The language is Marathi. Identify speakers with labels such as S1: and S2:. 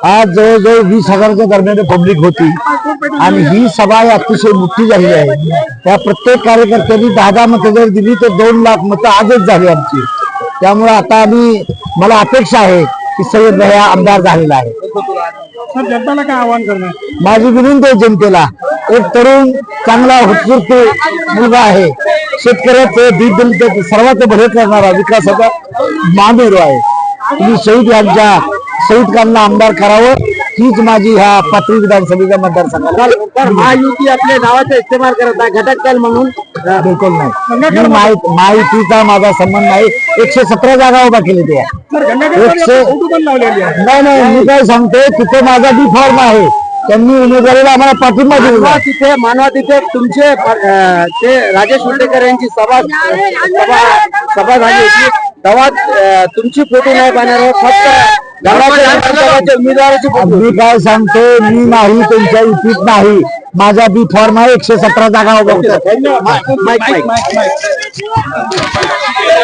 S1: आज जवळजवळ 20,000च्या दरम्यान पब्लिक होती आणि ही सभा अतिशय मोठी झालेली आहे। त्या प्रत्येक कार्यकर्त्यांनी 10-10 मतं जर दिली तर 2 लाख मतं आजच झाली आमची। त्यामुळे आता मला अपेक्षा आहे की सय्यद भैया आमदार झालेला आहे।
S2: जनताला काय आवाहन करणार?
S1: माझी विनंती आहे जनतेला, एक तरुण चांगला उत्स्फूर्त मुलगा आहे, शेतकऱ्याचे दीनदलित सर्वात भले करणारा विकासाचा महामेरू आहे। तुम्ही शहीद आमदार करावं हीच माझी ह्या पाथरी विधानसभेच्या मतदारसंघाला।
S2: महायुती आपल्या नावाचा इस्तेमाल करत आहे घटकदल म्हणून?
S1: बिलकुल नाही, माहितीचा माझा संबंध नाही। 117 जागा उभा केली ते नाही, मी काय सांगते, तिथे माझा बी फॉर्म आहे, त्यांनी उमेदवारीला आम्हाला पाठिंबा दिला।
S2: तिथे मानवा तिथे तुमचे ते राजेश उल्लेकर यांची सभा झाली होती, तेव्हा तुमची फोटो नाही पाहणार, फक्त उमेदवाराची।
S1: मी काय सांगतो, मी नाही त्यांच्या युतीत नाही, माझा बी फॉर्म आहे, 117 जागा उभा होता।